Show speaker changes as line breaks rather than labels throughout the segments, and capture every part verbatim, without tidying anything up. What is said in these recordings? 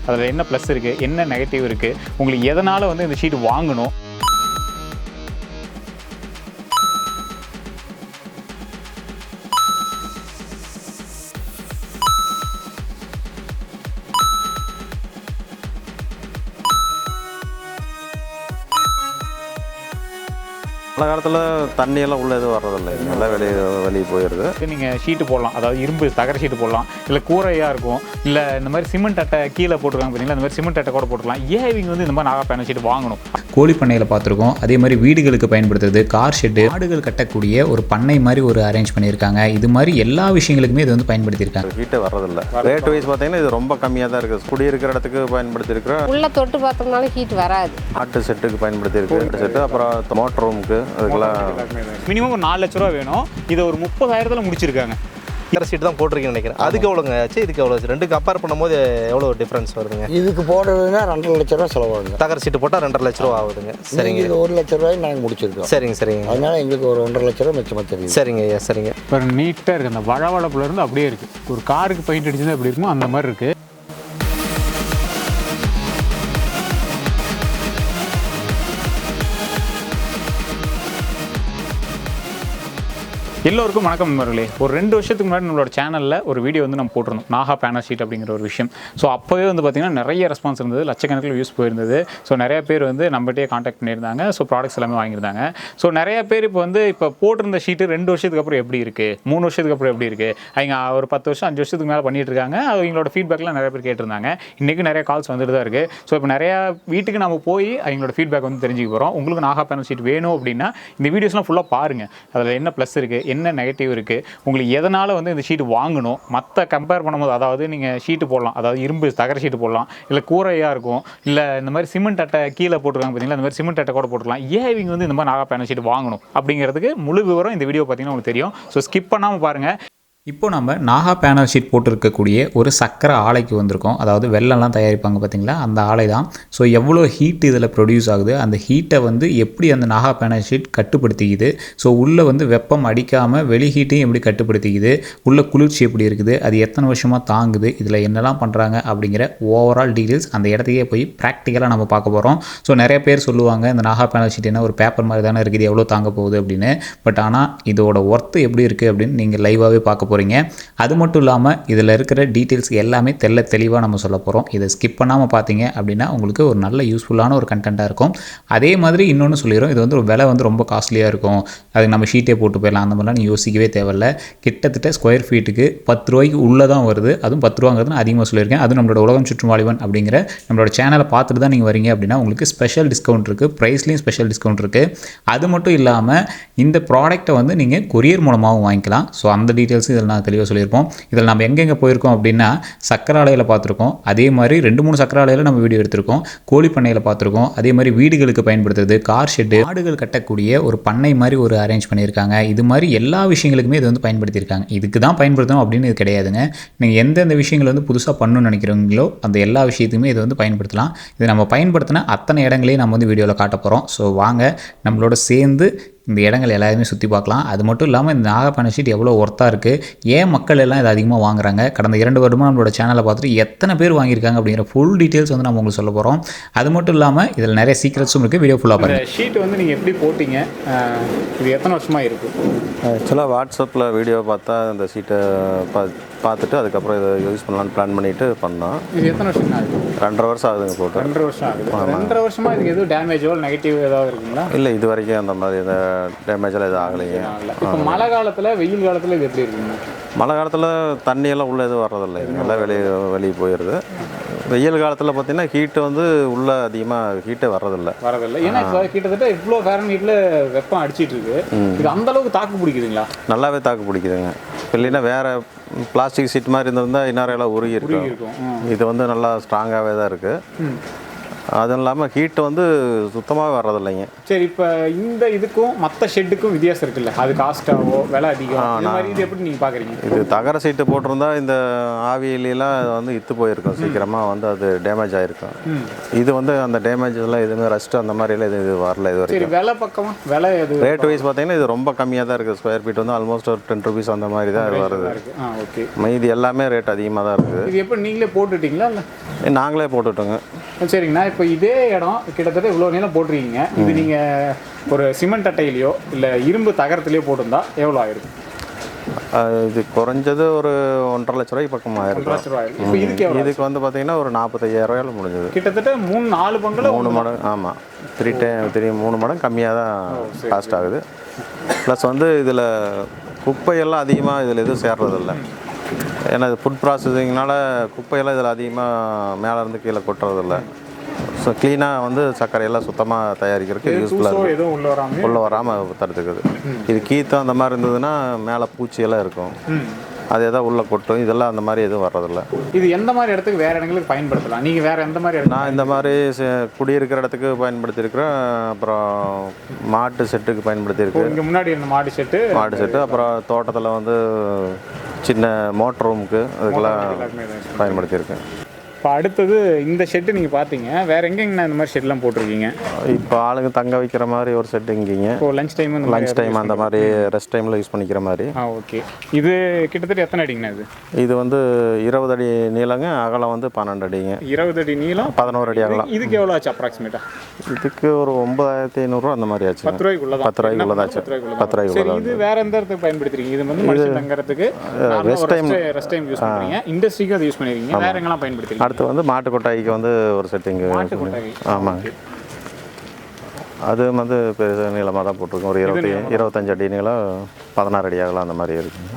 அதில் என்ன ப்ளஸ் இருக்குது, என்ன நெகட்டிவ் இருக்குது, உங்களுக்கு எதனால் வந்து இந்த ஷீட் வாங்கணும்.
மழை காலத்தில் தண்ணியெல்லாம் உள்ளே எதுவும் வர்றதில்லை, நல்லா வெளியே வெளியே போயிடுது.
நீங்கள் ஷீட்டு போடலாம், அதாவது இரும்பு தகர ஷீட்டு போடலாம், இல்லை கூரையாக இருக்கும், இல்லை இந்த மாதிரி சிமெண்ட் அட்டை கீழே போட்டுருக்காங்க பார்த்தீங்களா, இந்த மாதிரி சிமெண்ட் அட்டை கூட போட்டுக்கலாம். ஏன் இவங்க வந்து இந்த மாதிரி நாகா பேனல் ஷீட் வாங்கணும்?
கோழி பண்ணையில் பார்த்துருக்கோம். அதே மாதிரி வீடுகளுக்கு பயன்படுத்துறது, கார் ஷெட்டு, ஆடுகள் கட்டக்கூடிய ஒரு பண்ணை மாதிரி ஒரு அரேஞ்ச் பண்ணியிருக்காங்க. இது மாதிரி எல்லா விஷயங்களுக்குமே இது வந்து பயன்படுத்தியிருக்காங்க.
ஹீட்டே வர்றதில்லை. ரேட் வைஸ் பார்த்தீங்கன்னா இது ரொம்ப கம்மியாக தான் இருக்குது. குடியிருக்கிற இடத்துக்கு பயன்படுத்தியிருக்கிறோம்.
உள்ள தொட்டு பார்த்தோம்னால ஹீட் வராது.
ஆட்டு செட்டுக்கு பயன்படுத்தியிருக்கு, ஆட்டு செட்டு, அப்புறம் மோட்டர் ரூமுக்கு அதுக்கெல்லாம்
மினிமம் ஒரு நாலு லட்ச ரூபா வேணும். இதை ஒரு முப்பதாயிரத்தில் முடிச்சிருக்காங்க.
தகர சீட்டு தான் போட்டிருக்கேன்னு நினைக்கிறேன். அதுக்கு எவ்வளோங்க ஆச்சு, இதுக்கு எவ்வளோ ஆச்சு? ரெண்டு கம்பேர் பண்ணும்போது எவ்வளோ டிஃப்ரென்ஸ் வருதுங்க?
இதுக்கு போடுறதுன்னா ரெண்டரை லட்ச ரூபா செலவாகுங்க.
தகர சீட்டு போட்டால் ரெண்டரை லட்ச ரூபா ஆகுதுங்க. சரிங்க,
இது ஒரு லட்ச ரூபாய் நாங்கள் முடிச்சிருக்கோம்.
சரிங்க சரிங்க.
அதனால எங்களுக்கு ஒரு ஒன்றரை லட்ச ரூபா மிச்சமாக தெரியும்.
சரிங்க ஐயா, சரிங்க.
இப்போ நீட்டாக இருக்குது, அந்த வளவளப்புல இருந்து அப்படியே இருக்குது. ஒரு காருக்கு பெயிண்ட் அடிச்சது அப்படி இருக்குமோ அந்த மாதிரி இருக்குது. எல்லோருக்கும் வணக்கம் நண்பர்களே. ஒரு ரெண்டு வருஷத்துக்கு முன்னாடி நம்மளோட சேனலில் ஒரு வீடியோ வந்து நம்ம போட்டிருந்தோம், நாகா பேனல் ஷீட் அப்படிங்கிற ஒரு விஷயம். ஸோ அப்போவே வந்து பார்த்திங்கன்னா நிறைய ரெஸ்பான்ஸ் இருந்தது, லட்சக்கணக்கில் யூஸ் போயிருந்தது. ஸோ நிறைய பேர் வந்து நம்மகிட்டே காண்டாக்ட் பண்ணியிருந்தாங்க. ஸோ ப்ராடக்ட்ஸ் எல்லாமே வாங்கியிருந்தாங்க. ஸோ நிறைய பேர் இப்போ வந்து இப்போ போட்டிருந்த ஷீட்டு ரெண்டு வருஷத்துக்கு அப்புறம் எப்படி இருக்குது, மூணு வருஷத்துக்கு அப்புறம் எப்படி இருக்குது, அவங்க ஒரு பத்து வருஷம் அஞ்சு வருஷத்துக்கு மேலே பண்ணிட்டு இருக்காங்க. அவங்களோட ஃபீட்பேக்லாம் நிறைய பேர் கேட்டிருந்தாங்க. இன்றைக்கும் நிறைய கால்ஸ் வந்துட்டு தான் இருக்குது. ஸோ இப்போ நிறையா வீட்டுக்கு நம்ம போய் அவங்களோட ஃபீட்பேக் வந்து தெரிஞ்சுக்க போகிறோம். உங்களுக்கு நாகா பேனல் ஷீட் வேணும் அப்படின்னா இந்த வீடியோஸ்லாம் ஃபுல்லாக பாருங்கள். அதில் என்ன ப்ளஸ் இருக்குது, என்ன நெகட்டிவ் இருக்குது, உங்களுக்கு எதனால் வந்து இந்த ஷீட் வாங்கணும். மற்ற கம்பேர் பண்ணும்போது, அதாவது நீங்கள் ஷீட்டு போடலாம், அதாவது இரும்பு தகர ஷீட்டு போடலாம், இல்லை கூரையாக இருக்கும், இல்லை இந்த மாதிரி சிமெண்ட் அட்டை கீழே போட்டுருக்காங்க பார்த்தீங்களா, இந்த மாதிரி சிமெண்ட் அட்டை கூட போட்டுக்கலாம். ஏன் இவங்க வந்து இந்த மாதிரி நாகா பேனல் ஷீட் வாங்கணும் அப்படிங்கிறதுக்கு முழு விவரம் இந்த வீடியோ பார்த்தீங்கன்னா உங்களுக்கு தெரியும். ஸோ ஸ்கிப் பண்ணாமல் பாருங்கள்.
இப்போ நம்ம நாகா பேனல் ஷீட் போட்டிருக்கக்கூடிய ஒரு சக்கரை ஆலைக்கு வந்திருக்கோம். அதாவது வெள்ளம்லாம் தயாரிப்பாங்க பார்த்தீங்களா, அந்த ஆலை தான். ஸோ எவ்வளோ ஹீட் இதில் ப்ரொடியூஸ் ஆகுது, அந்த ஹீட்டை வந்து எப்படி அந்த நாகா பேனல் ஷீட் கட்டுப்படுத்திக்குது, ஸோ உள்ளே வந்து வெப்பம் அடிக்காமல் வெளி ஹீட்டையும் எப்படி கட்டுப்படுத்திக்குது, உள்ள குளிர்ச்சி எப்படி இருக்குது, அது எத்தனை வருஷமாக தாங்குது, இதில் என்னெல்லாம் பண்ணுறாங்க அப்படிங்கிற ஓவரால் டீட்டெயில்ஸ் அந்த இடத்துக்கே போய் ப்ராக்டிக்கலாக நம்ம பார்க்க போகிறோம். ஸோ நிறைய பேர் சொல்லுவாங்க இந்த நாகா பேனல் ஷீட் என்ன ஒரு பேப்பர் மாதிரி தானே இருக்குது, எவ்வளோ தாங்க போகுது அப்படின்னு. பட் ஆனால் இதோட ஒர்த்து எப்படி இருக்குது அப்படின்னு நீங்கள் லைவாகவே பார்க்க போகிறீங்க. அது மட்டும் இல்லாமல் இதில் இருக்கிற டீட்டெயில்ஸ் எல்லாமே தெல்ல தெளிவாக நம்ம சொல்ல போகிறோம். இதை ஸ்கிப் பண்ணாமல் பார்த்தீங்க அப்படின்னா உங்களுக்கு ஒரு நல்ல யூஸ்ஃபுல்லான ஒரு கண்டென்ட்டாக இருக்கும். அதே மாதிரி இன்னொன்று சொல்லிடுறோம், இது வந்து ஒரு விலை வந்து ரொம்ப காஸ்ட்லியாக இருக்கும், அதுக்கு நம்ம ஷீட்டே போட்டு போயிடலாம் அந்த மாதிரிலாம் நீங்கள் யோசிக்கவே தேவையில்ல. கிட்டத்தட்ட ஸ்கொயர் ஃபீட்டுக்கு பத்து ரூபாய்க்கு உள்ளே தான் வருது. அதுவும் பத்து ரூபாங்கிறது நான் அதிகமாக சொல்லியிருக்கேன். அதுவும் நம்மளோட உலகம் சுற்றும் வாலிபன் அப்படிங்கிற நம்மளோட சேனலை பார்த்துட்டு தான் நீங்கள் வரீங்க அப்படின்னா உங்களுக்கு ஸ்பெஷல் டிஸ்கவுண்ட் இருக்குது, ப்ரைஸ்லேயும் ஸ்பெஷல் டிஸ்கவுண்ட் இருக்குது. அது மட்டும் இல்லாமல் இந்த ப்ராடக்ட்டை வந்து நீங்கள் கொரியர் மூலமாகவும் வாங்கிக்கலாம். ஸோ அந்த டீட்டெயில்ஸும் இதில் நான் தெளிவாக சொல்லியிருப்போம். இதில் நம்ம எங்கெங்கே போயிருக்கோம் அப்படின்னா சக்கரை ஆலையில் பார்த்துருக்கோம், அதே மாதிரி ரெண்டு மூணு சக்கரை ஆலையில் நம்ம வீடியோ எடுத்திருக்கோம், கோழி பண்ணையில் பார்த்துருக்கோம், அதே மாதிரி வீடுகளுக்கு பயன்படுத்துறது, கார் ஷெட்டு, ஆடுகள் கட்டக்கூடிய ஒரு பண்ணை மாதிரி ஒரு அரேஞ்ச் பண்ணியிருக்காங்க. இது மாதிரி எல்லா விஷயங்களுக்குமே இது வந்து பயன்படுத்தியிருக்காங்க. இதுக்கு தான் பயன்படுத்தணும் அப்படின்னு இது கிடையாதுங்க. நீங்கள் எந்தெந்த விஷயங்கள் வந்து புதுசாக பண்ணணும்னு நினைக்கிறீங்களோ அந்த எல்லா விஷயத்துக்குமே இதை வந்து பயன்படுத்தலாம். இது நம்ம பயன்படுத்தின அத்தனை இடங்களையும் நம்ம வந்து வீடியோவில் காட்ட போகிறோம். ஸோ வாங்க நம்மளோட சேர்ந்து இந்த இடங்கள் எல்லாருமே சுற்றி பார்க்கலாம். அது மட்டும் இல்லாமல் இந்த நாகா பேனல் ஷீட் எவ்வளோ ஒர்த்தாக இருக்குது, ஏன் மக்கள் எல்லாம் இதை அதிகமாக வாங்குறாங்க, கடந்த இரண்டு வருடமாக நம்மளோட சேனலை பார்த்துட்டு எத்தனை பேர் வாங்கியிருக்காங்க அப்படிங்கிற ஃபுல் டீட்டெயில்ஸ் வந்து நம்ம உங்களுக்கு சொல்ல போகிறோம். அது மட்டும் இல்லாமல் இதில் நிறைய சீக்ரெட்ஸும் இருக்குது. வீடியோ ஃபுல்லாக பாருங்கள்.
ஷீட் வந்து நீங்கள் எப்படி போட்டிங்க, இது எத்தனை வருஷமாக இருக்குது?
ஆக்சுவலாக வாட்ஸ்அப்பில் வீடியோ பார்த்தா இந்த ஷீட்டை பா பார்த்துட்டு அதுக்கப்புறம் இதை யூஸ் பண்ணலான்னு பிளான் பண்ணிவிட்டு பண்ணோம்.
இது எத்தனை வருஷம் ஆகுது?
ரெண்டரை வருஷம் ஆகுதுங்க போட்டு.
ரெண்டரை வருஷம் ஆகுது. ரெண்டரை வருஷமாக இதுக்கு எதுவும் டேமேஜோ நெகட்டிவ் ஏதாவது இருக்குங்களா?
இல்லை, இது வரைக்கும் அந்த மாதிரி எந்த டேமேஜெல்லாம் எதுவும் ஆகலைங்க.
இப்போ மழை காலத்தில் வெயில் காலத்தில் இது எப்படி இருக்குங்க?
மழை காலத்தில் தண்ணியெல்லாம் உள்ளே எதுவும் வர்றதில்லை, நல்லா வெளியே வெளியே போயிடுது. வெயில் காலத்தில் பார்த்தீங்கன்னா ஹீட்டு வந்து உள்ளே அதிகமாக ஹீட்டே வர்றதில்லை
வரதில்லை ஏன்னா இப்போ கிட்டத்தட்ட இவ்வளோ ஃபேரன் ஹீட்டில் வெப்பம் அடிச்சிட்டு இருக்கு. இது அந்த அளவுக்கு தாக்கு பிடிக்குதுங்களா?
நல்லாவே தாக்கு பிடிக்குதுங்க. இல்லைன்னா வேறு பிளாஸ்டிக் சீட் மாதிரி இருந்திருந்தால் இன்னொரு எல்லாம் உருகி இருக்கும். இது வந்து நல்லா ஸ்ட்ராங்காகவே தான் இருக்குது. அதுவும் இல்லாமல் ஹீட்டு வந்து சுத்தமாக வர்றதில்லைங்க.
சரி, இப்போ இந்த இதுக்கும் மற்ற ஷெட்டுக்கும் வித்தியாசம் இருக்குல்ல, அது காஸ்ட்டாவோ விலை அதிகம் இந்த மாதிரி இது எப்படி நீங்கள் பார்க்குறீங்க?
இது தகர சீட்டு போட்டிருந்தா இந்த ஆவியிலாம் வந்து இத்து போயிருக்கும், சீக்கிரமாக வந்து அது டேமேஜ் ஆகிருக்கும். இது வந்து அந்த டேமேஜ் எல்லாம் எதுவுமே ரஸ்ட் அந்த மாதிரிலாம் இது இது வரல இது
சரி,
வரைக்கும்.
விலை பக்கமா விலை எது
ரேட் வைஸ் பார்த்தீங்கன்னா இது ரொம்ப கம்மியாக தான் இருக்குது. ஸ்கொயர் ஃபீட் வந்து ஆல்மோஸ்ட் ஒரு டென் ருபீஸ் அந்த மாதிரி தான் இது வருது.
இருக்கு? ஆ, ஓகே.
மீதி எல்லாமே ரேட் அதிகமாக தான் இருக்குது.
இது எப்படி நீங்களே போட்டுட்டீங்களா இல்லை?
நாங்களே போட்டுட்டோங்க.
சரிங்கண்ணா, இப்போ இதே இடம் கிட்டத்தட்ட இவ்வளோ நீளம் போட்டிருக்கீங்க. இது நீங்கள் ஒரு சிமெண்ட் அட்டையிலையோ இல்லை இரும்பு தகரத்துலையோ போட்டிருந்தா எவ்வளோ ஆயிருக்கும்?
இது குறைஞ்சது ஒரு ஒன்றரை லட்ச ரூபாய்க்கு பக்கமாக
லட்ச
இருக்கும்.
ரூபாய். இப்போ இதுக்கு எவ்வளோ?
இதுக்கு வந்து பார்த்தீங்கன்னா ஒரு நாற்பத்தையாயிரம் ரூபாயில் முடிஞ்சது.
கிட்டத்தட்ட மூணு நாலு பங்குல
மூணு மடங்கு. ஆமாம், த்ரீ டே த்ரீ மூணு மடங்கு கம்மியாக தான் காஸ்ட் ஆகுது. ப்ளஸ் வந்து இதில் குப்பையெல்லாம் அதிகமாக இதில் எதுவும் சேர்றதில்ல. ஏன்னா இது ஃபுட் ப்ராசஸிங்னால குப்பையெல்லாம் இதில் அதிகமாக மேலே இருந்து கீழே கொட்டுறதில்ல. ஸோ க்ளீனாக வந்து சர்க்கரையெல்லாம் சுத்தமாக தயாரிக்கிறதுக்கு யூஸ்ஃபுல்லாக இருக்குது.
எதுவும் உள்ள வராமல்
உள்ளே வராமல் தடுத்துக்குது. இது கீத்தம் அந்த மாதிரி இருந்ததுன்னா மேலே பூச்சியெல்லாம் இருக்கும், அது எதாவது உள்ளே கொட்டும். இதெல்லாம் அந்த மாதிரி எதுவும் வர்றதில்ல.
இது எந்த மாதிரி இடத்துக்கு வேறு இடங்களுக்கு பயன்படுத்தலாம்? நீங்கள் வேறு எந்த மாதிரி இடம்?
நான் இந்த மாதிரி குடியிருக்கிற இடத்துக்கு பயன்படுத்தியிருக்கிறேன். அப்புறம் மாட்டு செட்டுக்கு பயன்படுத்தியிருக்கேன்.
இங்கே முன்னாடி இருந்த மாடு செட்டு
மாட்டு செட்டு அப்புறம் தோட்டத்தில் வந்து சின்ன மோட்டர் ரூமுக்கு அதுக்கெல்லாம் பயன்படுத்தியிருக்கேன்.
இப்போ அடுத்தது இந்த ஷெட்டு நீங்கள் பார்த்தீங்க, வேறு எங்கெங்கண்ணா இந்த மாதிரி ஷெட்லாம் போட்டிருக்கீங்க?
இப்போ ஆளுங்க தங்க வைக்கிற மாதிரி ஒரு செட்டு இங்கேங்க.
இப்போ லஞ்ச் டைம்
லஞ்ச் டைம் அந்த மாதிரி ரெஸ்ட் டைமில் யூஸ் பண்ணிக்கிற மாதிரி.
ஆ, ஓகே. இது கிட்டத்தட்ட எத்தனை அடிங்கண்ணா? இது
இது வந்து இருபது அடி நீளங்க, அகலம் வந்து பன்னெண்டு அடிங்க.
இருபது அடி நீளம்,
பதினோரு அடி அகலம்.
இதுக்கு எவ்வளோ ஆச்சு அப்ராக்சிமேட்டா?
இதுக்கு ஒரு ஒன்பதாயிரத்தி ஐநூறுரூவா அந்த மாதிரி ஆச்சு.
பத்து ரூபாய்க்குள்ள தான்.
பத்து ரூபாய்க்குள்ளதாச்சு. பத்து ரூபாய்க்குள்ள.
இது வேற எந்த இடத்துக்கு பயன்படுத்துறீங்க? இது வந்து மனுஷன் தங்கறதுக்கு rest time rest time use பண்ணுறீங்க, இண்டஸ்ட்ரிக்கு அதை யூஸ் பண்ணிருக்கீங்க. வேற எங்கெல்லாம் பயன்படுத்துறீங்க?
அடுத்து வந்து மாட்டு கொட்டாய்க்கு வந்து ஒரு செட்டிங். ஆமாங்க, அது வந்து பெரிய நீளமாக தான் போட்டிருக்கோம். ஒரு இருபத்தி இருபத்தஞ்சு அடி நீளம், பதினாறு அடி ஆகலாம் அந்த மாதிரி இருக்குங்க.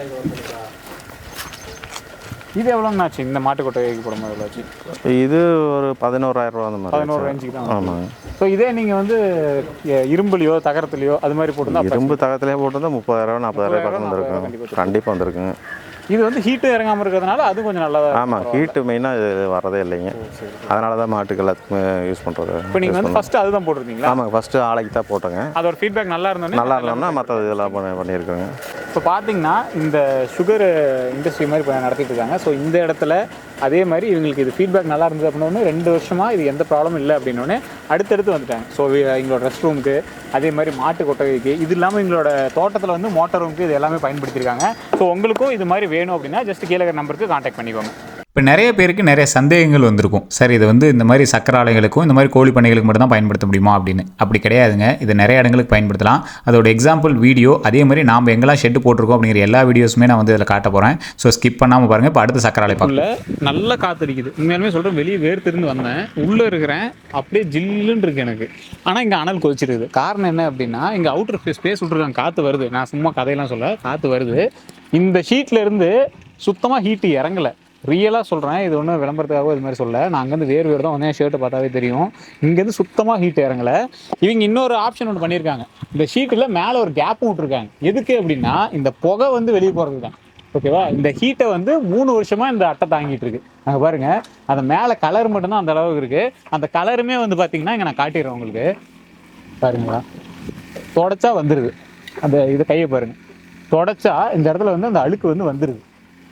இது எவ்வளோங்க ஆச்சு இந்த மாட்டு கொட்டைக்கு போடும்போது? எவ்வளோ ஆச்சு?
இது ஒரு பதினோராயிரம் ரூபா அந்த மாதிரி.
பதினோரு ரேஞ்சுக்கு தான்.
ஆமாங்க.
ஸோ இதே நீங்கள் வந்து இரும்புலையோ தகரத்துலையோ அது மாதிரி போட்டுருந்தா?
இரும்பு தகரத்துலேயே போட்டிருந்தா முப்பதாயிரம் நாற்பதாயிரம் பக்கம் வந்துருக்கும். கண்டிப்பாக வந்துருக்குங்க.
இது வந்து ஹீட்டு இறங்காமல் இருக்கிறதுனால அது கொஞ்சம் நல்லா.
ஆமாம், ஹீட்டு மெயினாக இது வரதே இல்லைங்க. அதனால தான் மாட்டுக்கு எல்லாத்துக்குமே யூஸ் பண்ணுறது.
இப்போ நீங்கள் வந்து ஃபஸ்ட்டு அதுதான் போட்டிருந்தீங்களா?
ஆமாங்க, ஃபஸ்ட்டு ஆலைக்கு தான் போட்டோங்க.
அதோட ஃபீட்பேக் நல்லா இருந்தோன்னே
நல்லா இருந்தோம்னா மற்ற இதெல்லாம் பண்ணி பண்ணியிருக்கோங்க.
இப்போ பார்த்தீங்கன்னா இந்த சுகர் இண்டஸ்ட்ரி மாதிரி இப்போ நடத்திட்டு இருக்காங்க. ஸோ இந்த இடத்துல அதே மாதிரி இவங்களுக்கு இது ஃபீட்பேக் நல்லா இருந்தது அப்படின்னோடனே ரெண்டு வருஷமாக இது எந்த ப்ராப்ளமும் இல்லை அப்படின்னோடனே அடுத்தடுத்து வந்துட்டாங்க. ஸோ எங்களோட ரெஸ்ட் ரூமுக்கு, அதே மாதிரி மாட்டு கொட்டகைக்கு, இது இல்லாமல் எங்களோட தோட்டத்தில் வந்து மோட்டார் ரூமுக்கு இது எல்லாமே பயன்படுத்தியிருக்காங்க. ஸோ உங்களுக்கும் இது மாதிரி வேணும் அப்படின்னா ஜஸ்ட் கீழே நம்பருக்கு கான்டாக்ட் பண்ணிக்கோங்க.
இப்போ நிறைய பேருக்கு நிறைய சந்தேகங்கள் வந்திருக்கும். சார், இது வந்து இந்த மாதிரி சக்கரை ஆலைகளுக்கும் இந்த மாதிரி கோழி பண்ணைகளுக்கு மட்டும் தான் பயன்படுத்த முடியுமா அப்படின்னு. அப்படி கிடையாதுங்க. இது நிறைய இடங்களுக்கு பயன்படுத்தலாம். அதோட எக்ஸாம்பிள் வீடியோ, அதே மாதிரி நாம் எங்கெல்லாம் ஷெட்டு போட்டிருக்கோம் அப்படிங்கிற எல்லா வீடியோஸுமே நான் வந்து இதில் காட்ட போகிறேன். ஸோ ஸ்கிப் பண்ணாமல் பாருங்கள். இப்போ அடுத்த சக்கரை ஆலை பார்க்கல
நல்லா காத்தடிக்குது. உண்மையாலுமே சொல்கிறேன், வெளியே வேர்த்திருந்து வந்தேன், உள்ளே இருக்கிறேன், அப்படியே ஜில்லுன்னு இருக்கு எனக்கு. ஆனால் இங்கே அனல் கொதிச்சிருக்குது. காரணம் என்ன அப்படின்னா இங்கே அவுட்டர் ஸ்பேஸ் விட்ருக்காங்க, காற்று வருது. நான் சும்மா கதையெல்லாம் சொல்ல, காற்று வருது. இந்த ஷீட்டில் இருந்து சுத்தமாக ஹீட்டு இறங்கலை. ரியலாக சொல்கிறேன், இது ஒன்றும் விளம்பரத்துக்காக இது மாதிரி சொல்ல. நான் அங்கேருந்து வேறு வேறு தான் வந்து ஷர்ட்டை பார்த்தாவே தெரியும். இங்கேருந்து சுத்தமாக ஹீட் இறங்கலை. இவங்க இன்னொரு ஆப்ஷன் ஒன்று பண்ணியிருக்காங்க. இந்த ஷீட்டில் மேலே ஒரு கேப்பும் விட்ருக்காங்க. எதுக்கு அப்படின்னா இந்த புகை வந்து வெளியே போகிறது தான். ஓகேவா? இந்த ஹீட்டை வந்து மூணு வருஷமாக இந்த அட்டை தாங்கிட்டு இருக்கு. அங்கே பாருங்கள், அந்த மேலே கலர் மட்டும்தான் அந்த அளவுக்கு இருக்குது. அந்த கலருமே வந்து பார்த்தீங்கன்னா இங்கே நான் காட்டிடுறேன் உங்களுக்கு. பாருங்களா, தொடச்சா வந்துடுது. அந்த இதை கையை பாருங்கள், தொடச்சா இந்த இடத்துல வந்து அந்த அழுக்கு வந்து வந்துடுது.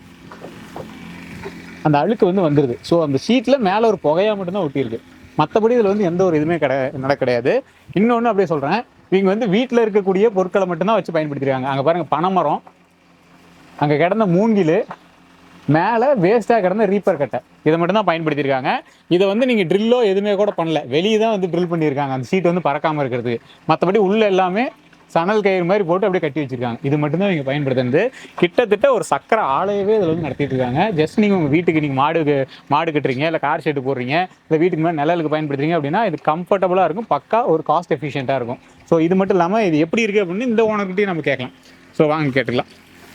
அந்த அழுக்கு வந்து வந்துடுது. ஸோ அந்த ஷீட்டில் மேலே ஒரு புகையாக மட்டும்தான் ஒட்டியிருக்கு. மற்றபடி இதில் வந்து எந்த ஒரு இதுவுமே கிடை நட கிடையாது. இன்னொன்று அப்படியே சொல்கிறேன், இவங்க வந்து வீட்டில் இருக்கக்கூடிய பொருட்களை மட்டும்தான் வச்சு பயன்படுத்திருக்காங்க. அங்கே பாருங்கள், பனைமரம், அங்கே கிடந்த மூங்கில், மேலே வேஸ்ட்டாக கிடந்த ரீப்பர் கட்டை, இதை மட்டும்தான் பயன்படுத்தியிருக்காங்க. இதை வந்து நீங்கள் ட்ரில்லோ எதுவுமே கூட பண்ணல, வெளியே தான் வந்து ட்ரில் பண்ணியிருக்காங்க அந்த ஷீட் வந்து பறக்காமல் இருக்கிறதுக்கு. மற்றபடி உள்ளே எல்லாமே சணல் கயிறு மாதிரி போட்டு அப்படியே கட்டி வச்சிருக்காங்க. இது மட்டும்தான் இவங்க பயன்படுத்துறது. கிட்டத்தட்ட ஒரு சக்கரை ஆலையவே இதில் வந்து நடத்திட்டு இருக்காங்க. ஜஸ்ட் நீங்கள் உங்கள் வீட்டுக்கு நீங்கள் மாடு மாடு கட்டுறீங்க, இல்லை கார் ஷெட்டு போடுறீங்க, இல்லை வீட்டுக்கு மேலே நிழலுக்கு பயன்படுத்துறீங்க அப்படின்னா இது கம்ஃபர்டபுளாக இருக்கும், பக்கா ஒரு காஸ்ட் எஃபிஷியண்ட்டாக இருக்கும். ஸோ இது மட்டும் இல்லாமல் இது எப்படி இருக்குது அப்படின்னு இந்த ஓனர்கிட்டையும் நம்ம கேட்கலாம். ஸோ வாங்க கேட்டுக்கலாம்.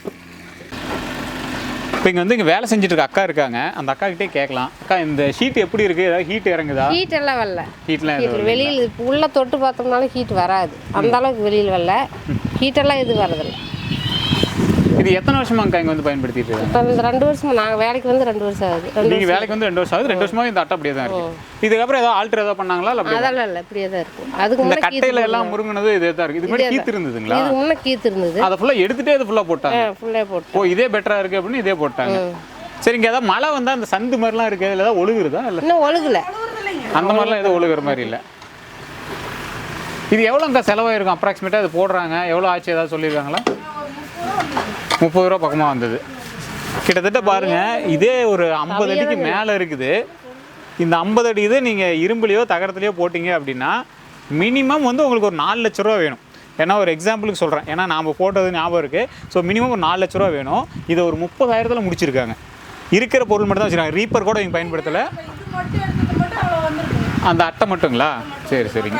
இப்போ இங்கே வந்து இங்கே வேலை செஞ்சுட்டு இருக்க அக்கா இருக்காங்க, அந்த அக்கா கிட்டே கேட்கலாம். அக்கா, இந்த ஷீட் எப்படி இருக்குது? ஏதாவது ஹீட் இறங்குதா?
ஹீட் எல்லாம் வரல.
ஹீட்லாம்
ஹீட் வெளியில் உள்ளே தொட்டு பார்த்தோம்னாலும் ஹீட் வராது. அந்த அளவுக்கு வெளியில் வரல, ஹீட்டெல்லாம் எதுவும் வரதில்லை.
இது எத்தனை வருஷமாங்க இங்கே வந்து பயன்படுத்திட்டு இருக்காங்க?
இப்போ இந்த ரெண்டு வருஷம் நாங்கள் வேலைக்கு வந்து ரெண்டு வருஷம் ஆகுது. ரெண்டு
நீங்கள் வேலைக்கு வந்து ரெண்டு வருஷம் ஆகுது, ரெண்டு வருஷமாக இந்த அட்டை அப்படியே தான் இருக்கு. இதுக்கப்புறம் ஏதாவது ஆல்டர் ஏதாவது பண்ணாங்களா இல்லை அப்படியே?
அதெல்லாம் இல்லை, இப்படியே தான் இருக்கும். அதுக்கு
இந்த
முன்னே
கட்டையில எல்லாம் முருங்கினது இதே தான் இருக்கு. இதுக்கு முன்னாடி கீத்து இருந்ததுங்களா?
இதுக்கு முன்னே கீத்து இருந்தது.
அதை ஃபுல்லாக எடுத்துகிட்டே அது ஃபுல்லாக போட்டாங்க.
ஃபுல்லாக போட்டு
ஓ இதே பெட்டராக இருக்குது அப்படின்னு இதே போட்டாங்க. சரிங்க, ஏதாவது மழை வந்தால் அந்த சந்து மாதிரிலாம் இருக்குது, அதில் ஏதாவது ஒழுகுறதா இல்லை?
இன்னும் ஒழுகல,
அந்த மாதிரிலாம் எதுவும் ஒழுகுற மாதிரி இல்லை. இது எவ்வளோங்க செலவாயிருக்கும் அப்ராக்சிமேட்டாக அது போடுறாங்க? எவ்வளோ ஆச்சு ஏதாவது சொல்லியிருக்காங்களா? முப்பது ரூபா பக்கமாக வந்தது கிட்டத்தட்ட. பாருங்கள், இதே ஒரு ஐம்பது அடிக்கு மேலே இருக்குது. இந்த ஐம்பது அடி இது நீங்கள் இரும்புலையோ தகரத்துலையோ போட்டிங்க அப்படின்னா மினிமம் வந்து உங்களுக்கு ஒரு நாலு லட்ச ரூபா வேணும். ஏன்னா ஒரு எக்ஸாம்பிளுக்கு சொல்கிறேன், ஏன்னா நாம் போட்டது ஞாபகம் இருக்குது. ஸோ மினிமம் ஒரு நாலு லட்ச ரூபா வேணும். இதை ஒரு முப்பதாயிரத்தில் முடிச்சிருக்காங்க. இருக்கிற பொருள் மட்டும் தான் வச்சுருக்காங்க. ரீப்பர் கூட இங்கே பயன்படுத்தலை. அந்த அட்டை மட்டுங்களா? சரி சரிங்க.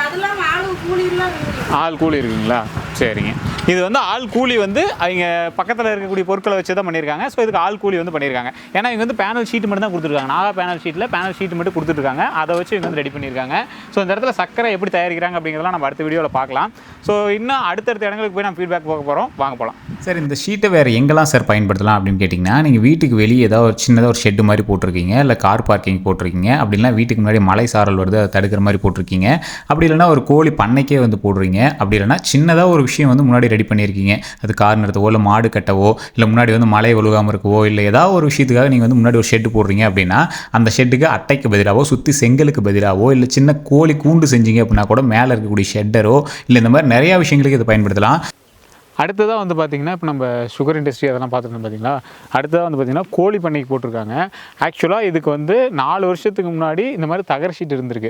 ஆள் கூலி இருக்குங்களா? சரிங்க. இது வந்து ஆள் கூலி வந்து அவங்க பக்கத்தில் இருக்கக்கூடிய பொருட்களை வச்சு தான் பண்ணியிருக்காங்க. ஸோ இதுக்கு ஆள் கூலி வந்து பண்ணியிருக்காங்க. ஏன்னா இவங்க வந்து பேனல் ஷீட் மட்டும் தான் கொடுத்துருக்காங்க. நாகா பேனல் ஷீட்டில் பேனல் ஷீட் மட்டும் கொடுத்துருக்காங்க. அதை வச்சு இவங்க வந்து ரெடி பண்ணியிருக்காங்க. ஸோ இந்த இடத்துல சக்கரை எப்படி தயாரிக்கிறாங்க அப்படிங்கிறதெல்லாம் நம்ம அடுத்த வீடியோவில் பார்க்கலாம். ஸோ இன்னும் அடுத்தடுத்த இடங்களுக்கு போய் நம்ம ஃபீட்பேக் பார்க்க போகிறோம். வாங்க போகலாம்.
சார், இந்த ஷீட்டை வேறு எங்கெல்லாம் சார் பயன்படுத்தலாம் அப்படின்னு கேட்டிங்கன்னா, நீங்கள் வீட்டுக்கு வெளியே ஏதாவது ஒரு சின்னதாக ஒரு ஷெட்டு மாதிரி போட்டிருக்கீங்க, இல்லை கார் பார்க்கிங் போட்டிருக்கீங்க, அப்படின்னா வீட்டுக்கு முன்னாடி மழை சாரல் வருது அதை தடுக்கிற மாதிரி போட்டிருக்கீங்க, அப்படி இல்லைனா ஒரு கோழி பண்ணைக்கே வந்து போடுறீங்க, அப்படி இல்லைனா சின்னதாக ஒரு விஷயம் வந்து முன்னாடி ரெடி பண்ணியிருக்கீங்க, அது கார் நிறுத்தவோ இல்லை மாடு கட்டவோ இல்லை முன்னாடி வந்து மழை ஒழுகாமல் இருக்கவோ இல்லை ஏதாவது ஒரு விஷயத்துக்காக நீங்கள் வந்து முன்னாடி ஒரு ஷெட்டு போடுறீங்க அப்படின்னா அந்த ஷெட்டுக்கு அட்டைக்கு பதிலாகவோ சுற்றி செங்கலுக்கு பதிலாகவோ இல்லை சின்ன கோழி கூண்டு செஞ்சீங்க அப்படின்னா கூட மேலே இருக்கக்கூடிய ஷெட்டரோ இல்லை இந்த மாதிரி நிறையா விஷயங்களுக்கு இதை பயன்படுத்தலாம்.
அடுத்ததாக வந்து பார்த்திங்கன்னா, இப்போ நம்ம சுகர் இண்டஸ்ட்ரி அதெல்லாம் பார்த்துட்டு பார்த்தீங்களா, அடுத்ததாக வந்து பார்த்திங்கன்னா கோழி பண்ணைக்கு போட்டிருக்காங்க. ஆக்சுவலாக இதுக்கு வந்து நாலு வருஷத்துக்கு முன்னாடி இந்த மாதிரி தகர ஷீட் இருந்திருக்கு.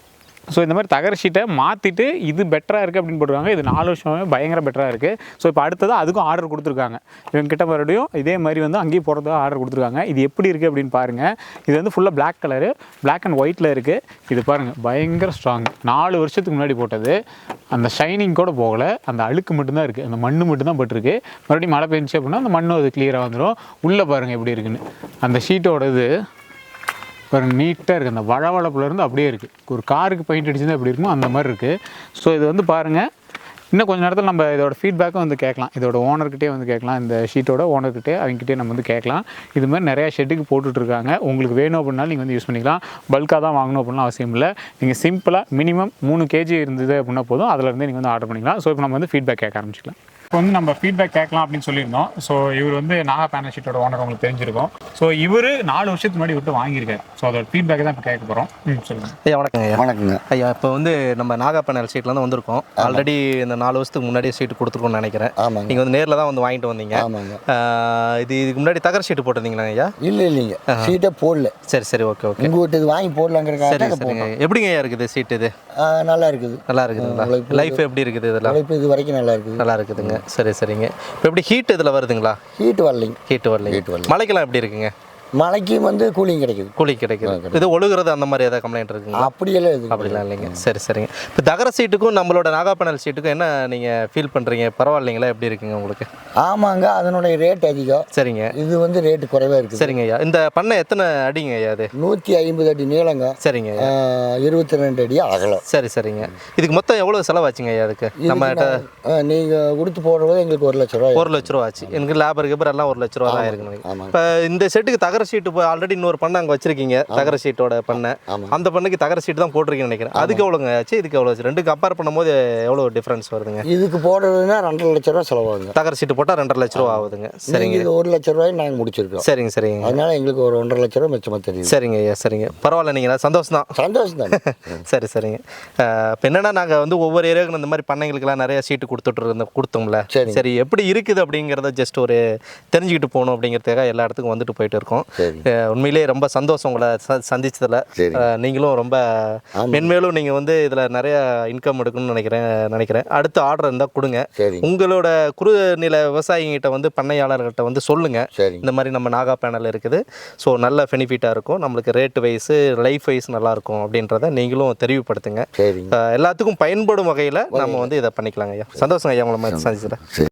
ஸோ இந்த மாதிரி தகர ஷீட்டை மாற்றிட்டு இது பெட்டராக இருக்குது அப்படின்னு போட்டுருக்காங்க. இது நாலு வருஷமே பயங்கர பெட்டராக இருக்குது. ஸோ இப்போ அடுத்ததாக அதுக்கும் ஆர்டர் கொடுத்துருக்காங்க. இவங்ககிட்ட மறுபடியும் இதே மாதிரி வந்து அங்கேயும் போகிறதுக்கு ஆர்டர் கொடுத்துருக்காங்க. இது எப்படி இருக்குது அப்படின்னு பாருங்கள். இது வந்து ஃபுல்லாக பிளாக் கலரு, பிளாக் அண்ட் ஒயிட்டில் இருக்குது. இது பாருங்கள், பயங்கர ஸ்ட்ராங். நாலு வருஷத்துக்கு முன்னாடி போட்டது. அந்த ஷைனிங் கூட போகலை, அந்த அழுக்கு மட்டும்தான் இருக்குது, அந்த மண் மட்டும்தான் பட்டிருக்கு. மறுபடியும் மழை பெஞ்சிச்சு அப்படின்னா அந்த மண்ணும் அது கிளியராக வந்துடும். உள்ளே பாருங்கள் எப்படி இருக்குன்னு. அந்த ஷீட்டோட இது பாருங்க, நீட்டாக இருக்குது. அந்த வளவளப்புலேருந்து அப்படியே இருக்குது. ஒரு காருக்கு பெயிண்ட் அடிச்சுதான் எப்படி இருக்குமோ அந்த மாதிரி இருக்குது. ஸோ இது வந்து பாருங்கள், இன்னும் கொஞ்சம் நேரத்தில் நம்ம இதோட ஃபீட்பேக்கும் வந்து கேட்கலாம். இதோட ஓனர்கிட்டே வந்து கேட்கலாம். இந்த ஷீட்டோட ஓனர்கிட்டே அவங்ககிட்டே நம்ம வந்து கேட்கலாம். இது மாதிரி நிறையா ஷெட்டுக்கு போட்டுட்ருக்காங்க. உங்களுக்கு வேணும் அப்படின்னாலும் நீங்கள் வந்து யூஸ் பண்ணிக்கலாம். பல்காக தான் வாங்கணும் அப்படின்னா அவசியம் இல்லை. நீங்கள் சிம்பிளாக மினிமம் மூணு கேஜி இருந்தது அப்படின்னா போதும், அதிலேருந்து நீங்கள் வந்து ஆர்டர் பண்ணிக்கலாம். ஸோ இப்போ நம்ம வந்து ஃபீட்பேக் கேட்க ஆரம்பிச்சிக்கலாம். இப்போ வந்து நம்ம ஃபீட்பேக் கேட்கலாம் அப்படின்னு சொல்லியிருந்தோம். ஸோ இவர் வந்து நாகா பேனல் ஷீட்டோட ஓனர், உங்களுக்கு தெரிஞ்சிருக்கும். ஸோ இவர் நாலு வருஷத்துக்கு முன்னாடி விட்டு வாங்கியிருக்காரு. ஸோ அதோட ஃபீட்பேக் தான் இப்போ கேட்க போகிறோம். ம் சொல்லுங்கள்
ஐயா. வணக்கங்க ஐயா.
வணக்கங்க
ஐயா, இப்போ வந்து நம்ம நாகா பேனல் ஷீட்லேருந்து வந்திருக்கோம். ஆல்ரெடி இந்த நாலு வருஷத்துக்கு முன்னாடியே ஷீட் கொடுத்துருக்கோம்னு நினைக்கிறேன்.
ஆமாங்க.
நீங்கள் வந்து நேரில் தான் வந்து வாங்கிட்டு வந்தீங்க.
ஆமாங்க.
இது இதுக்கு முன்னாடி தகர ஷீட்டு போட்டிருந்தீங்களா ஐயா?
இல்லை இல்லைங்க, ஷீட்டே போடல.
சரி சரி, ஓகே ஓகே.
உங்கள் வீட்டு இது வாங்கி போடலாங்கிறக்காக
சரி சரிங்க. எப்படிங்க ஐயா இருக்குது ஷீட்? இது
நல்லா இருக்குது.
நல்லா இருக்குதுங்களா? லைஃப் எப்படி இருக்குது இதெல்லாம்?
லைஃப் இது வரைக்கும் நல்லா இருக்குது.
நல்லா இருக்குதுங்க. சரி சரிங்க. இப்போ எப்படி ஹீட் இதில் வருதுங்களா?
ஹீட் வரலைங்க.
ஹீட் வரலைங்க.
ஹீட் வரல.
மழைக்கெல்லாம் எப்படி இருக்குங்க?
மழைக்கு வந்து கூலிங் கிடைக்குது.
கூலிங் கிடைக்குது. இது ஒழுகுறது அந்த மாதிரி ஏதாவது கம்ப்ளைண்ட் இருக்குங்களா?
அப்படியெல்லாம் இது
அப்படிலாம் இல்லைங்க. சரி சரிங்க. இப்போ தகர சீட்டுக்கும் நம்மளோட நாகா பேனல் சீட்டுக்கும் என்ன நீங்கள் ஃபீல் பண்ணுறீங்க? பரவாயில்லைங்களா? எப்படி இருக்குங்க உங்களுக்கு?
ஆமாங்க, அதனுடைய ரேட் அதிகம்.
சரிங்க.
இது வந்து ரேட்டு குறைவாக இருக்குது.
சரிங்க ஐயா. இந்த பண்ணை எத்தனை அடிங்க ஐயா? அது
நூற்றி ஐம்பது அடி நீளங்க.
சரிங்க.
இருபத்தி ரெண்டு அடி அகலம்.
சரி சரிங்க. இதுக்கு மொத்தம் எவ்வளோ செலவாச்சுங்க ஐயா? அதுக்கு நம்ம
நீங்கள் கொடுத்து போடுறது எங்களுக்கு ஒரு லட்ச ரூபா.
ஒரு லட்ச ரூபா ஆச்சு. எனக்கு லேபர் கேப்பர் எல்லாம் ஒரு லட்ச ரூபா தான் இருக்குங்க.
ஆமாம்.
இப்போ இந்த செட்டுக்கு தகர ஷீட்டு போய் ஆல்ரெடி இன்னொரு பண்ணை அங்கே வச்சிருக்கீங்க, தகர ஷீட்டோட பண்ணை. அந்த பண்ணைக்கு தகர ஷீட் தான் போட்டிருக்கீங்கன்னு நினைக்கிறேன். அதுக்கு எவ்வளோங்க ஆச்சு, இதுக்கு எவ்வளோ ஆச்சு? ரெண்டுக்கு கம்பேர் பண்ணும்போது எவ்வளோ டிஃப்ரென்ஸ் வருதுங்க?
இதுக்கு போடுறதுன்னா ரெண்டரை லட்ச ரூபா செலவாகுங்க.
தகர ஷீட்டு போட்டால் ரெண்டரை லட்ச ரூபா ஆகுதுங்க. சரிங்க.
இது ஒரு லட்ச ரூபாய் நாங்கள் முடிச்சிருக்கோம்.
சரிங்க சரிங்க.
அதனால எங்களுக்கு ஒரு ஒன்றரை லட்ச ரூபா மிச்சமாக தெரியுது.
சரிங்க ஐயா. சரிங்க, பரவாயில்ல. நீங்கள் சந்தோஷம் தான்.
சந்தோஷம் தான்.
சரி சரிங்க. இப்போ என்னன்னா, நாங்கள் வந்து ஒவ்வொரு ஏரியாவுக்கு இந்த மாதிரி பண்ணைங்களுக்குலாம் நிறைய சீட்டு கொடுத்துட்டு இருந்தோம் கொடுத்தோம்ல.
சரி
சரி, எப்படி இருக்குது அப்படிங்கிறத ஜஸ்ட் ஒரு தெரிஞ்சுக்கிட்டு போகணும் அப்படிங்கிறதுக்காக எல்லா இடத்துக்கும் வந்துட்டு போயிட்டு இருக்கோம். உண்மையிலேயே ரொம்ப சந்தோஷம் உங்களை சந்திச்சதில். நீங்களும் ரொம்ப மென்மேலும் நீங்கள் வந்து இதில் நிறைய இன்கம் எடுக்கணும்னு நினைக்கிறேன் நினைக்கிறேன் அடுத்த ஆர்டர் இருந்தால் கொடுங்க. உங்களோட குறுநில விவசாயிகிட்ட வந்து பண்ணையாளர்கிட்ட வந்து சொல்லுங்கள், இந்த மாதிரி நம்ம நாகா பேனல் இருக்குது, ஸோ நல்ல பெனிஃபிட்டாக இருக்கும், நம்மளுக்கு ரேட் வைஸ் லைஃப் வைஸ் நல்லாயிருக்கும் அப்படின்றத நீங்களும் தெரிவுபடுத்துங்க. எல்லாத்துக்கும் பயன்படும் வகையில் நம்ம வந்து இதை பண்ணிக்கலாங்க ஐயா. சந்தோஷம் ஐயா உங்களை மாதிரி சந்திச்சதில்.